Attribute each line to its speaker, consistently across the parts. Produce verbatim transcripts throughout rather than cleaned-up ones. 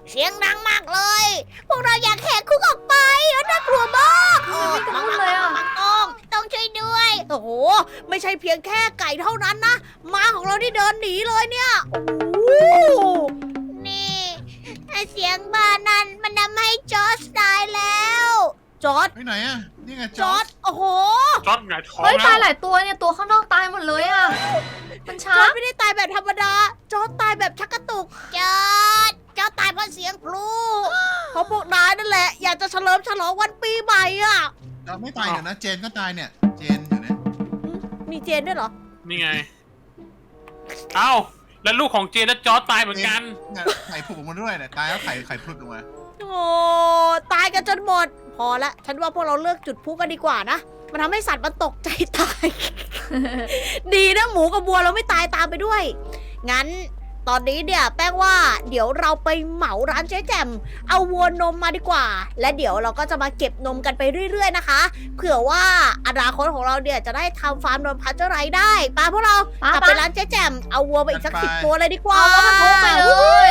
Speaker 1: เสียงดังมากเลย พวกเราอยากแหกคุกออกไปน่ากลัวมากเออ
Speaker 2: ไม่กระเลยอ่ะ
Speaker 1: ต้องต้องช่วยด้วย โอ้โห ไม่ใช่เพียงแค่ไก่เท่านั้นนะม้าของเราที่เดินหนีเลยเนี่ยโอ้โหนี่เสียงบ้านนั้นมันทำให้จอร์จตายแล้วจอร์จ
Speaker 3: ไปไหนอ่ะนี่ไง
Speaker 1: จอร์จโอ้โห
Speaker 4: จอดหงายท้อง
Speaker 2: เฮ้ย
Speaker 4: แล้
Speaker 2: ตายว หลายตัวเนี่ยตัวข้างนอกตายหมดเลยอ่ะ มัน
Speaker 1: จ
Speaker 2: ช้า
Speaker 1: อร์จไม่ได้ตายแบบธรรมดา จอร์จตายแบบชักกระตุก จอร์จจอร์จตายเพราะเสียงพลุเพราะพวกนายนั่นแหละ อยากจะเฉลิมฉลองวันปีใหม่อ่ะ
Speaker 3: เราไม่ตายเดี๋ยวนะเจนก็ตายเนี่ยเจนอยู่เนี่ย
Speaker 1: มีเจนด้วยเหรอ
Speaker 4: นี่ไง เอ้า แล้วลูกของเจนและจอร์จตายเหมือนกัน
Speaker 3: เนี่ยไข่ผุดออกมาด้วยเนี่ยตายแล้วไข่ไข่พลุดออกมา
Speaker 1: โอ้ตายกันจนหมด พอละฉันว่าพวกเราเลิกจุดพลุกันดีกว่านะ มันทำให้สัตว์มันตกใจตาย ดีนะหมูกับวัวเราไม่ตายตามไปด้วย งั้นตอนนี้เนี่ยแป้งว่าเดี๋ยวเราไปเหมาร้านเจ๊แจ่มเอาวัวนมมาดีกว่า และเดี๋ยวเราก็จะมาเก็บนมกันไปเรื่อยๆนะคะ เผื่อว่าอนาคตของเราเนี่ยจะได้ทำฟาร์มนมพัชเจอร์ไรได้ไปพวกเรา
Speaker 2: ปะ
Speaker 1: กลับ
Speaker 2: ปะ
Speaker 1: ไปร้านเจ๊แจ่มเอาวัวไปอีกสักสิบตัวเลยดีกว่า
Speaker 2: เอาแล้วมันทุบไปเลย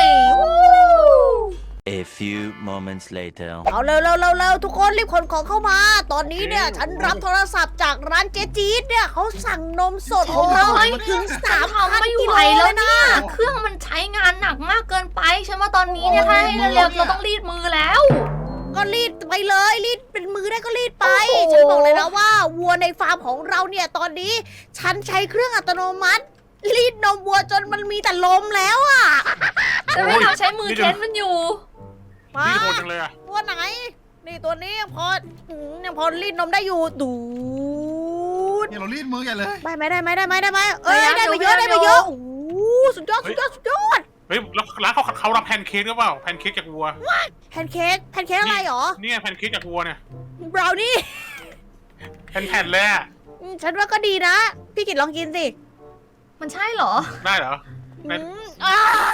Speaker 5: A few moments later.
Speaker 1: เอาเร็วเร็วเร็วเร็วทุกคนรีบขนของเข้ามา ตอนนี้เนี่ยฉันรับโทรศัพท์จากร้านเจ๊จี๊ดเนี่ยเขาสั่งนมสดของเราถึงสามพัน
Speaker 2: ทำไม่
Speaker 1: กิ
Speaker 2: ไห
Speaker 1: โล
Speaker 2: ว
Speaker 1: เล
Speaker 2: แล้ว
Speaker 1: ยนะ
Speaker 2: เนี่ยเครื่องมันใช้งานหนักมากเกินไปฉันว่าตอนนี้เนี่ยถ้าให้เร็วๆเราต้องรีดมือแล้ว
Speaker 1: ก็รีดไปเลยรีดเป็นมือได้ก็รีดไป
Speaker 2: โอ้โห
Speaker 1: ฉันบอกเลยนะว่าวัวในฟาร์มของเราเนี่ยตอนนี้ ฉันใช้เครื่องอัตโนมัติ รีดนมวัวจนมันมีแต่ลมแล้วอ่ะ
Speaker 2: แต่ไม่เราใช้มือเค้นมันอยู่
Speaker 1: มา
Speaker 4: นี่โหดจังเลยอะ
Speaker 1: ตัวไหน นี่ตัวนี้ยังพออืมยังพอรีดนมได้อยู่ดูด
Speaker 3: เนี่ยเรารีดมือกันเลย
Speaker 1: ได้ไหมได้ไหมได้ไหมได้ไหมเอ้ย
Speaker 2: พยายาม
Speaker 1: ได้ไป
Speaker 2: อยู่
Speaker 1: เยอะ
Speaker 2: พยายาม
Speaker 1: ได้ไป
Speaker 2: อยู่
Speaker 1: เยอะโอ้โหสุดยอดสุดยอดสุดยอด
Speaker 4: เฮ้ยแล้วร้านเขาเขารับแพนเค้กหรือเปล่า แพนเค้กจากวัว
Speaker 1: แพนเค้กแพนเค้กอะไรหรอ
Speaker 4: เนี่ยแพนเค้กจากวัวเนี่ย
Speaker 1: บราวนี่
Speaker 4: แผ่นๆเลยอะ
Speaker 1: อืมฉันว่าก็ดีนะ พี่กิตลองกินสิ
Speaker 2: มันใช่เหรอ
Speaker 4: ได้เหรอ
Speaker 1: อืมอ่า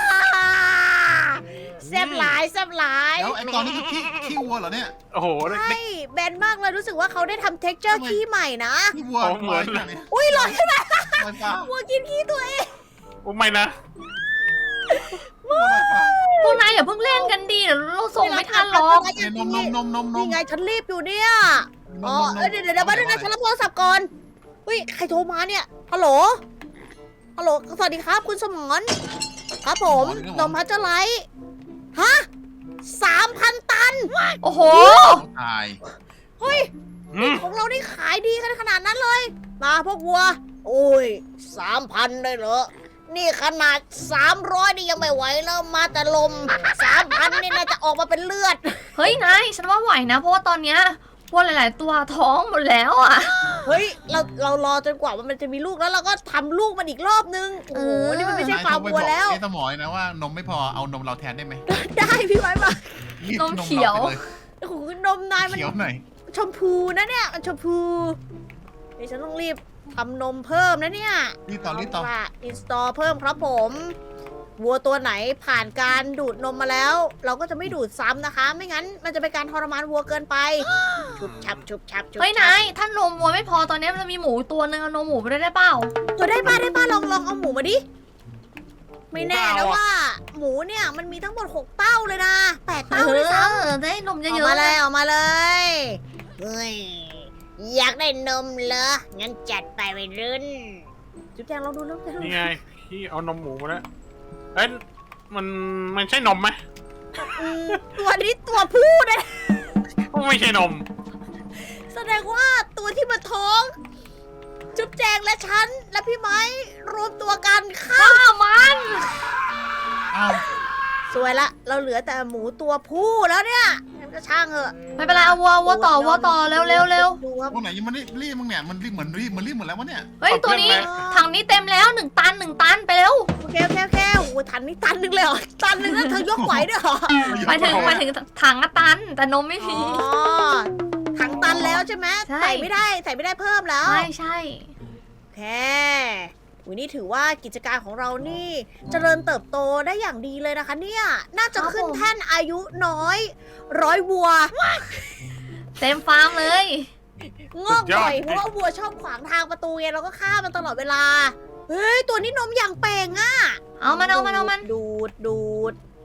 Speaker 1: แซ่บหลายแซ่บหลาย
Speaker 3: แล้วไอ้ตอนนี้คือขี้ขี้วัวเหรอเนี่ย
Speaker 4: โอ้โหได้
Speaker 1: ใช่
Speaker 4: ได้
Speaker 1: แบนมากเลยรู้สึกว่าเขาได้ทำเท็กเจอร์ขี้ใหม่นะ
Speaker 3: ขี้วัว
Speaker 4: โอ้เหมือน
Speaker 3: ลอยเนี่ย
Speaker 1: อุ้ยลอยขึ้นมา
Speaker 3: ลอยฟ้า
Speaker 1: วัวกินขี้ตัวเอง
Speaker 4: โอ้ไม่นะ
Speaker 3: วัวลอยฟ้า
Speaker 2: พวกนายอย่าเพิ่งเล่นกันดีเดี๋ยวเราส่งไม่ทันหรอก
Speaker 3: เนี่ยนมนมนมนมน
Speaker 1: นี่
Speaker 3: ม
Speaker 1: ไงฉันรีบอยู่เนี่ย
Speaker 3: น
Speaker 1: อ๋อ
Speaker 3: มนม
Speaker 1: เอ้ยเดี๋ยวเดี๋ยวเดี๋ยวมาดูนะฉันรับโทรศัพท์ก่อนเฮ้ยใครโทรมาเนี่ยฮัลโหลฮัลโหลสวัสดีครับคุณสมรครับผมนมพัชเจอร์ไลท์ฮะสามพันตัน
Speaker 2: โอ้โห
Speaker 3: ตาย
Speaker 1: เฮ้ย
Speaker 4: อืม
Speaker 1: ของเรานี่ขายดีกันขนาดนั้นเลย มาพวกวัว โอ้ยสามพันเลยเหรอ นี่ขนาดสามร้อยนี่ยังไม่ไหวแล้วมาแต่ลมสามพันนี่น่าจะออกมาเป็นเลือด
Speaker 2: เฮ้ยนายฉันว่าไหวนะ เพราะว่าตอนเนี้ยพวกหลาย ๆ ตัวท้องหมดแล้วอ่ะ
Speaker 1: เฮ้ย เราเรารอจนกว่ามันจะมีลูกแล้วเราก็ทำลูกมันอีกรอบนึง โอ้โห
Speaker 2: เออ
Speaker 1: นี่มันไม่ใช่
Speaker 3: นาย
Speaker 1: ฟา
Speaker 3: โท
Speaker 1: ร์ม
Speaker 3: รไป
Speaker 1: วั
Speaker 3: บ
Speaker 1: ว
Speaker 3: อก
Speaker 1: แล้ว
Speaker 3: ไอ้สมอยนะว่านมไม่พอเอานมเราแทนได้ไหม
Speaker 1: ได้พี่ไว้มา
Speaker 3: รีด
Speaker 2: นมเขียว
Speaker 3: ราไปล
Speaker 1: โอ้โหนมนายมัน
Speaker 3: เขียวหน่อย
Speaker 1: ชมพูนะเนี่ยมันชมพูนี่ฉันต้องรีบทำนมเพิ่มนะเนี่ย
Speaker 3: รีดต่อรีดต่อ
Speaker 1: อินสตอลเพิ่มครับผม วัวตัวไหนผ่านการดูดนมมาแล้ว เราก็จะไม่ดูดซ้ำนะคะ ไม่งั้นมันจะเป็นการทรมานวัวเกินไปชุบชับชุบชับชุบ
Speaker 2: เฮ้ย
Speaker 1: ชั
Speaker 2: นา
Speaker 1: บ
Speaker 2: ยถ้านมวัวไม่พอตอนเนี้ยมันมีหมูตัวนึงเอานมหมูไปด้วยได้เปล่า
Speaker 1: ตัวได้ป้าได้ป้าลองลองเอาหมูมาดิ ไม่แน่
Speaker 4: หมู
Speaker 1: นะ
Speaker 4: เปล่าอะ
Speaker 1: ว่า หมูเนี่ยมันมีทั้งหมดหกเต้าเลยนะแปดเต้าด้วยซ้
Speaker 2: เออได้นม
Speaker 1: ำ
Speaker 2: เย
Speaker 1: ออก
Speaker 2: อะ
Speaker 1: มา
Speaker 2: ๆ
Speaker 1: เลยออกมาเลยเฮ้ยอยากได้นมเหรองั้นจัดไปไปรุ่นจุ๊บแจงลองดูลองดู
Speaker 4: นี่ไงพี่เอานมหมูมาแล้วเอ้ยมันมันใช่นมไหม
Speaker 1: อืมตัวนี้ตัวผู้นะ
Speaker 4: ไม่ใช่นม
Speaker 1: แสดงว่าตัวที่มาท้อง จุ๊บแจงและฉัน และพี่ไม้รวมตัวกันฆ่า
Speaker 2: ข้ามัน
Speaker 3: เอ้า
Speaker 1: สวยละ เราเหลือแต่หมูตัวผู้แล้วเนี่ยงั้นก็ช่างเถอะ
Speaker 2: ไม่เป็นไรเอาวัววัวต่อวัวต่อเร็วเร็วเร็ว
Speaker 1: ดูครับ
Speaker 3: พวกไหนยังไม่ได้รีดมั้งเนี่ยมันรีดเหมือนรีดเหมือนรีดหมดแล้ววะเนี่ย
Speaker 2: เฮ้ย
Speaker 4: เอา
Speaker 2: ตัวนี้
Speaker 4: เพื่อนไหม
Speaker 2: ถังนี้เต็มแล้วหนึ่งตันหนึ่งตันไปเร็ว
Speaker 1: โอเคโอเคโอเคโอ้โหทันนี่ตันหนึงเลยเหรอ ตันหนึงแล้วเธอยกไหวด้วยเหรอ
Speaker 2: หมายถึงหมายถึงถังอะตัน แต่นมไม่
Speaker 1: อ๋
Speaker 2: มี
Speaker 1: อ ถังตันแล้วใช่ไหม
Speaker 2: ใช่
Speaker 1: ใส่ไม่ได้ ใส่ไม่ได้เพิ่มแล้ว
Speaker 2: ใช่ใช่
Speaker 1: โอเควันนี้ถือว่ากิจการของเรานี่เจริญเติบโตได้อย่างดีเลยนะคะเนี่ย น่าจะขึ้นแท่นอายุน้อย ร้อยวัว
Speaker 2: เต็มฟาร์มเลย
Speaker 1: งอกบ่อย
Speaker 4: สุดยอด
Speaker 1: เพราะว่าวัวชอบขวางทางประตูไงเราก็ฆ่ามันตลอดเวลา เฮ้ย ตัวนี้นมอย่างเป่งอะ
Speaker 2: เอามันเอามันเอามัน
Speaker 1: ดูดดูด
Speaker 3: ม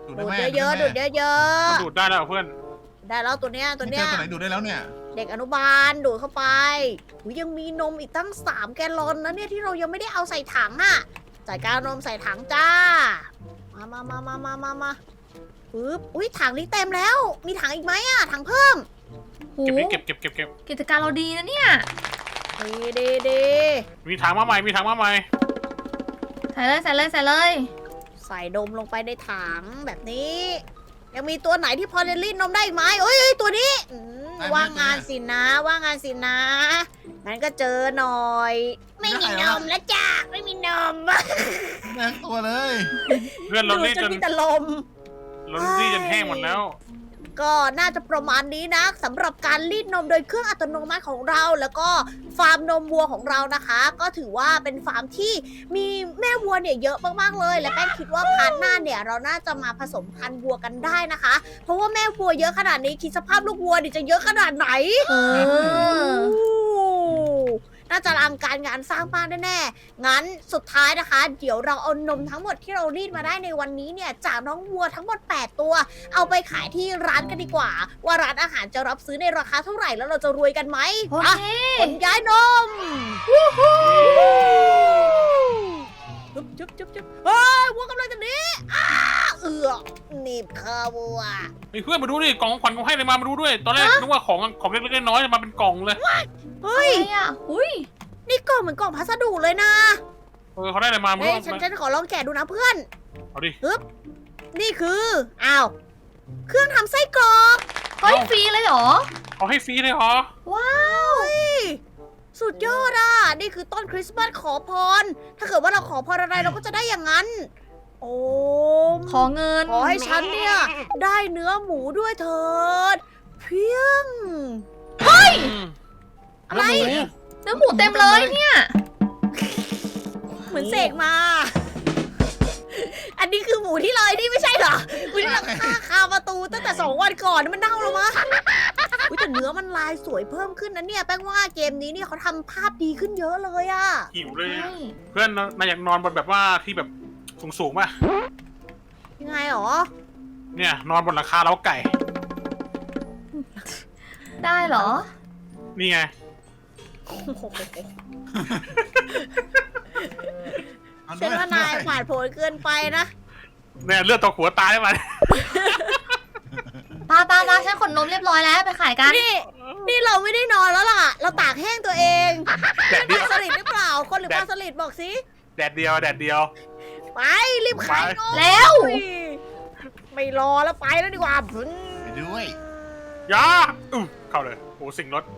Speaker 3: ดูด
Speaker 1: ดู
Speaker 3: ได้
Speaker 1: ด
Speaker 3: ไหม
Speaker 1: เยอะๆดูดเยอะ
Speaker 4: มันดูดได้แล้วเหรอเพื่อน
Speaker 1: ๆได้แล้วตัวเนี้ยตัว
Speaker 3: ไม่
Speaker 1: เนี้
Speaker 3: เจอย ตัวไหนดูดได้แล้วเนี่ย
Speaker 1: เด็กอนุบาลดูดเข้าไปอุ๊ยยังมีนมอีกตั้งสามแกลลอนนะเนี่ยที่เรายังไม่ได้เอาใส่ถังอ่ะจัดการนมใส่ถังจ้า มามามามามามามาปึ๊บอุ้ยถังนี้เต็มแล้ว มีถังอีกไหมอ่ะถังเพิ่ม
Speaker 2: หู
Speaker 4: เก็บดิเก็บเก็บเก็บเก็บ
Speaker 2: กิจการเราดีนะเนี่ย
Speaker 1: ดีดีดี
Speaker 4: มีถังมาใหม่มีถังมาใหม่
Speaker 2: ใส่เลยใส่เลยใส่เลย
Speaker 1: ใส่นมลงไปในถังแบบนี้ ยังมีตัวไหนที่พอจะรีดนมได้อีกไหมเอ้ยเอ้ยตัวนี้อืมว่างงานสินะ ว่างงานสินะงั้นก็เจอหน่อย ไม่มีนมแล้วจ้าไม่มีนม
Speaker 3: แม่งตัวเลย
Speaker 4: เพื่อนเรา
Speaker 1: ดู
Speaker 4: รีด
Speaker 1: จ
Speaker 4: จ
Speaker 1: น
Speaker 4: น
Speaker 1: มีแต่ลม
Speaker 4: เรารีดจนแห้งหมดแล้ว
Speaker 1: ก็น่าจะประมาณนี้นะสำหรับการรีดนมโดยเครื่องอัตโนมัติของเรา แล้วก็ฟาร์มนมวัวของเรานะคะ ก็ถือว่าเป็นฟาร์มที่มีแม่วัวเนี่ยเยอะมากๆเลย และแป้งคิดว่าพาร์ทหน้าเนี่ยเราน่าจะมาผสมพันธุ์วัวกันได้นะคะ เพราะว่าแม่วัวเยอะขนาดนี้คิดสภาพลูกวัวดิจะเยอะขนาดไหน
Speaker 2: เออ
Speaker 1: โอ้น่าจะอลังการงานสร้างบ้านแน่ๆงั้นสุดท้ายนะคะ เดี๋ยวเราเอานมทั้งหมดที่เรารีดมาได้ในวันนี้เนี่ยจากน้องวัวทั้งหมดแปดตัว เอาไปขายที่ร้านกันดีกว่า ว่าร้านอาหารจะรับซื้อในราคาเท่าไหร่แล้วเราจะรวยกันไหม
Speaker 2: โอ
Speaker 1: อ่ะ
Speaker 2: เค
Speaker 1: ขนย้ายนมจุ๊บจุ๊บจุ๊บจุ๊บเฮ้ยวัวกำลังจะหนีอ้าเอือกหนีบคาวัว
Speaker 4: เฮ้ยเพื่อนมาดูดิกล่องของขวัญเขาให้อะไรมามาดูด้วย ตอนแรกนึกว่าของของเล็กๆน้อยๆมาเป็นกล่องเลย
Speaker 1: เฮ้ย
Speaker 2: อะไรอ่ะอุ้ย
Speaker 1: นี่กล่องเหมือนกล่องพัสดุเลยนะ
Speaker 4: เออเขาได้อะไรมาไม่
Speaker 1: เฮ้
Speaker 4: รู้
Speaker 1: ยฉัน
Speaker 4: มา
Speaker 1: ฉันขอลองแกะดูนะเพื่อน
Speaker 4: เอาดิ
Speaker 1: นี่คืออ้าวเครื่องทำไส้กรอก
Speaker 2: เฮ้ยฟรีเลยเหรอ
Speaker 4: เขาให้ฟรีเลยเหรอ
Speaker 2: ว้าว
Speaker 1: เฮ้ยสุดยอดอ่ะนี่คือต้นคริสต์มาสขอพร ถ้าเกิดว่าเราขอพรอะไรเราก็จะได้อย่างนั้น โอ้ม
Speaker 2: ขอเงิน
Speaker 1: ขอให้ฉันเนี่ย ได้เนื้อหมูด้วยเถิด เพียง
Speaker 4: อืม
Speaker 1: อะไร
Speaker 2: เนื้อหมูเต็มเลยเนี่ย
Speaker 1: เหมือนเสกมา อันนี้คือหมูที่ลอยนี่ไม่ใช่เหรอหมูที่เราฆ่าคาประตูตั้งแต่สองวันก่อนมันเน่าแล้วมั้งอุ๊ยแต่เนื้อมันลายสวยเพิ่มขึ้นนะเนี่ยแป้งว่าเกมนี้เนี่ยเขาทำภาพดีขึ้นเยอะเลยอะ
Speaker 4: หิวเลย
Speaker 2: ใช่
Speaker 4: อะเพื่อนนายอยากนอนบนแบบว่าที่แบบสูงๆป่ะ
Speaker 1: ยังไงหรอ
Speaker 4: เนี่ยนอนบนหลังคาเล้าไก่
Speaker 2: ได้เหรอ
Speaker 4: นี่ไง
Speaker 1: โอ้โห
Speaker 3: เอาด้
Speaker 1: ฉันว่านายผ่านโผนเกินไปนะ
Speaker 4: เนี่ยเลือดตกหัวตายได้ไหม
Speaker 2: ปาปาปาฉันขนนมเรียบร้อยแล้วไปขายกัน
Speaker 1: นี่ นี่เราไม่ได้นอนแล้วล่ะ เราตากแห้งตัวเอง
Speaker 4: แดด
Speaker 1: เป็น
Speaker 4: เดียว
Speaker 1: ปลาสลิดหรือเปล่า คนหรือปลาสลิดบอกสิ
Speaker 4: แดดเดียวแดดเดียว
Speaker 1: ไปรีบขายนม
Speaker 2: แล้ว
Speaker 1: ไม่รอแล้วไปแล้วดีกว่าพึ่ง
Speaker 3: ไปด้วย
Speaker 4: ยาอู้เข้าเลยโอ้สิ่งรถ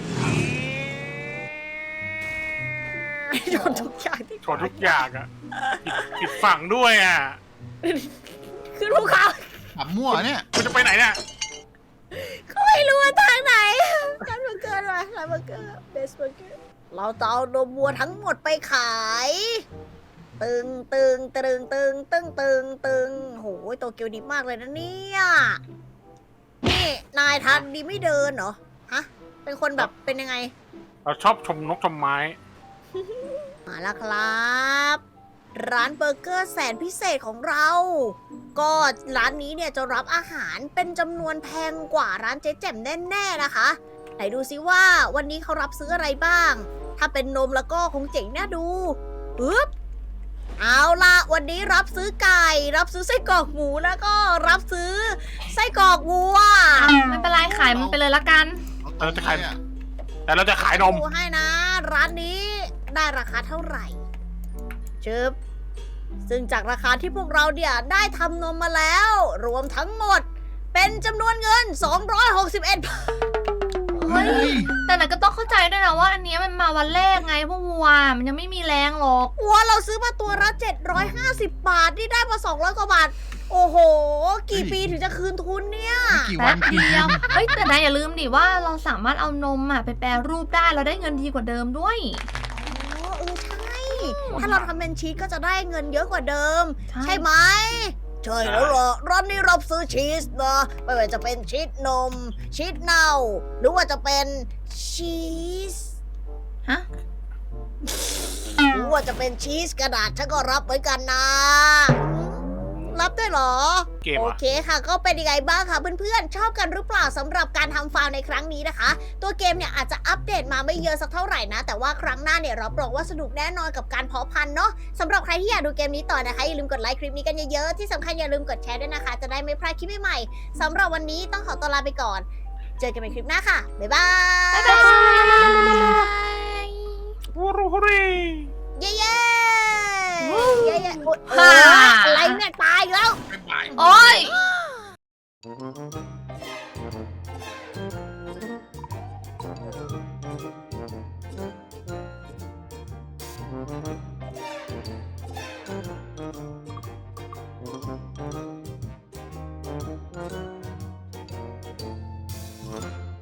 Speaker 1: ชนทุกอย่างที่
Speaker 4: ชนทุกอย่างอ่ะผิดผิดฝั่งด้วยอ่ะ
Speaker 1: ขึ้นภูเขา
Speaker 3: ขับมั่วเนี่ย
Speaker 4: คุณจะไปไหนเนี่ย
Speaker 1: ก็ไม่รู้ว่าทางไหนร้านเบอร์เกอร์อะไรร้านเบอร์เกอร์เบสเบอร์เกอร์เราจะเอานมวัวทั้งหมดไปขาย ตึงตึงตึงตึงตึงตึงตึงโหยโตเกียวดีมากเลยนะเนี่ยนี่นายทันดีไม่เดินเหรอฮะเป็นคนแบบเป็นยังไง
Speaker 4: เราชอบชมนกชมไม้
Speaker 1: มาแล้วครับ ร้านเบอร์เกอร์แสนพิเศษของเรา ก็ร้านนี้เนี่ยจะรับอาหารเป็นจำนวนแพงกว่าร้านเจ๊แจ่มแน่ๆนะคะ ไหนดูซิว่าวันนี้เขารับซื้ออะไรบ้าง ถ้าเป็นนมแล้วก็คงเจ๋งน่าดูปึ๊บเอาล่ะวันนี้รับซื้อไก่ รับซื้อไส้กรอกหมูแล้วก็รับซื้อไส้กรอกวัว
Speaker 2: ไม่เป็นไรขายมันไปเลยละกัน
Speaker 3: เอาตรงเลยอะ
Speaker 4: แต่เราจะขายนม
Speaker 1: ดูให้นะ ร้านนี้ได้ราคาเท่าไหร่ชึบซึ่งจากราคาที่พวกเราเนี่ยได้ทำนมมาแล้ว รวมทั้งหมด เป็นจำนวนเงิน สองร้อยหกสิบเอ็ด บาท
Speaker 2: เฮ้ย
Speaker 3: เฮ้ย
Speaker 2: แต่ไหนก็ต้องเข้าใจด้วยนะว่าอันเนี้ยมันมาวันแรกไงพวกวัว มันยังไม่มีแรงหรอก
Speaker 1: วัวเราซื้อมาตัวละเจ็ดร้อยห้าสิบบาท นี่ได้มาสองร้อยกว่าบาท โอ้โห กี่ปีถึงจะคืนทุนเนี่ย
Speaker 3: ไม่กี่วั
Speaker 2: แป๊
Speaker 3: น
Speaker 2: บเดียว เฮ้ยแต่นายอย่าลืมดิว่าเราสามารถเอานมอ่ะไปแปรรูปได้เราได้เงินดีกว่าเดิมด้วย
Speaker 1: อ๋อเออใช่ ถ้าเราทำเป็นชีสก็จะได้เงินเยอะกว่าเดิม
Speaker 2: ใช่
Speaker 1: ใช่ไหม ใช่แล้วเหรอร้านนี้รับซื้อชีสนะไม่ว่าจะเป็นชีสนม ชีสเน่า หรือว่าจะเป็นชีส
Speaker 2: ฮะ
Speaker 1: หรือว่าจะเป็นชีสกระดาษฉันก็รับเหมือนกันนะรับด้วยเหรอ
Speaker 4: เกม
Speaker 1: โอ
Speaker 4: อ่ะ
Speaker 1: เคค่ะ ก็เป็นยังไงบ้างคะเพื่อนๆ ชอบกันหรือเปล่าสำหรับการทำฟาร์มในครั้งนี้นะคะ ตัวเกมเนี่ยอาจจะอัปเดตมาไม่เยอะสักเท่าไหร่นะ แต่ว่าครั้งหน้าเนี่ยรับรองว่าสนุกแน่นอนกับการเพาะพันธุ์เนาะสำหรับใครที่อยากดูเกมนี้ต่อนะคะอย่าลืมกดไลค์คลิปนี้กันเยอะๆที่สำคัญอย่าลืมกดแชร์ด้วยนะคะ จะได้ไม่พลาดคลิปใหม่ๆสำหรับวันนี้ต้องขอตัวลาไปก่อน เจอกันในคลิปหน้าค่ะบ๊ายบาย
Speaker 2: บ๊ายบาย
Speaker 4: ฮูรูฮูรี